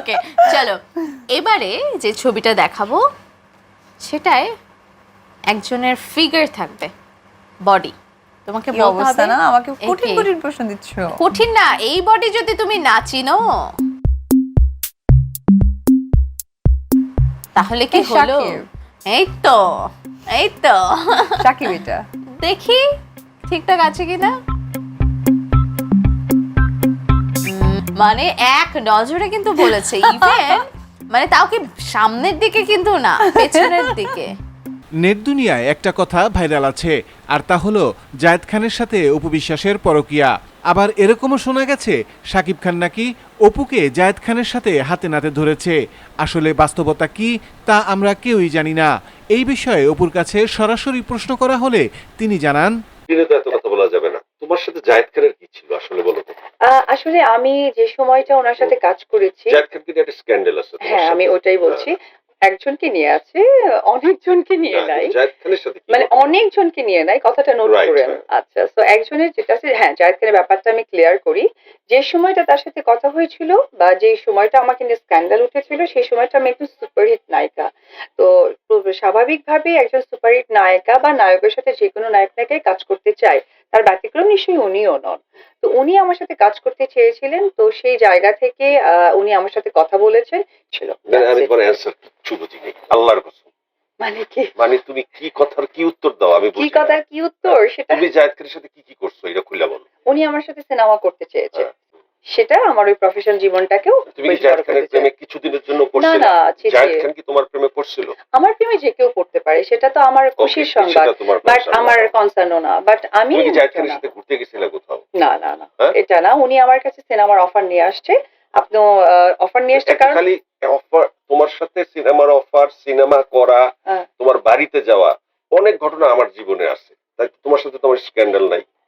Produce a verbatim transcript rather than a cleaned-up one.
ওকে চলো এবারে যে ছবিটা দেখাবো সেটায় একজনের ফিগার থাকবে বডি তোমাকে কি বলতে অবস্থা হবে না আমাকে কঠিন একে। কঠিন প্রশ্ন দিচ্ছ। কঠিন না এই বডি যদি তুমি না চিনো তাহলে কি এ, হলো শাকিব। এই তো এই তো সাকিব এটা। দেখি ঠিকঠাক আছে কিনা উম, মানে এক নজরে কিন্তু বলেছে ইভেন মানে তাও কি সামনের দিকে কিন্তু না পেছনের দিকে নেট দুনিয়ায় একটা কথা ভাইরাল আছে আর তা হলো জায়েদ খানের সাথে অপু বিশ্বাসের পরকীয়া। আবার এরকমও শোনা গেছে শাকিব খান নাকি অপুকে জায়েদ খানের সাথে হাতে নাতে ধরেছে। আসলে বাস্তবতা কি তা আমরা কেউই জানি না। এই বিষয়ে অপুর কাছে সরাসরি প্রশ্ন করা হলে তিনি জানান, দিনে তো এত কথা বলা যাবে না। তোমার সাথে জায়েদ খানের কি ছিল আসলে বলো তো? আহ, আসলে আমি যে সময়টা ওনার সাথে কাজ করেছি, জায়েদ খান কিন্তু একটা স্ক্যান্ডাল আছে তোমার হ্যাঁ সাথে। আমি ওটাই বলছি, একজনকে নিয়ে আছে, অনেকজনকে নিয়ে হ্যাঁ, নাই, কিন্তু জায়েদ খানের সাথে কি মানে ঘটনা? অনেকজনকে নিয়ে নাই, কথাটা নোট Right, করেন। হ্যাঁ। আচ্ছা, তো একজনের যেটা আছে, হ্যাঁ জায়েদ খানের ব্যাপারটা আমি ক্লিয়ার করি। যে সময়টা তার সাথে কথা হয়েছিল বা যে সময়টা আমাকে নিয়ে স্ক্যান্ডাল উঠেছিল সেই সময়টা আমি একটু সুপারহিট নায়িকা। তো তো স্বাভাবিকভাবেই একজন সুপারহিট নায়িকা বা নায়কের সাথে যে কোনো নায়ক নায়িকাই কাজ করতে চায়, তার ব্যতিক্রম নিশ্চয়ই উনিও নন। তো উনি আমার সাথে কাজ করতে চেয়েছিলেন, তো সেই জায়গা থেকে আহ, উনি আমার সাথে কথা বলেছেন ছিল। মানে আমি তোমার অ্যানসার কিচ্ছু বুঝি নাই, আল্লাহর কসম। মানে কি মানে তুমি কি কথার কি উত্তর দাও আমি কি বুঝি না। কথার কি উত্তর সেটা, তুমি জায়েদ খানের সাথে কি কি করছো এটা খুলে বলো। উনি আমার সাথে সিনেমা করতে চেয়েছে, হ্যাঁ। সেটা আমার ওই প্রফেশনাল জীবনটাকেও তুমি কি বেশ জায়েদ বড় খানের করতে প্রেমে চায়। কিছুদিনের জন্য না পড়ছিলে? না ছি, ছি। জায়েদ খান কি তোমার প্রেমে পড়ছিল? আমার প্রেমে যে কেউ পড়তে পারে, সেটা তো আমার খুশির Okay, সংবাদ, সেটা তোমার বাট concern আমার না। কনসার্নও না, বাট আমি তুমি কি জায়েদ না খানের সাথে ঘুরতে গেছিলে কোথাও? না না না হ্যাঁ? এটা না, উনি আমার কাছে সিনেমার অফার নিয়ে আসছে। আপনি অফার নিয়ে আসছে একটা কারণ খালি অফার, তোমার সাথে সিনেমার অফার, সিনেমা করা, হ্যাঁ, তোমার বাড়িতে যাওয়া, অনেক ঘটনা আমার জীবনে আছে। তাই তোমার সাথে তোমার স্ক্যান্ডাল নাই।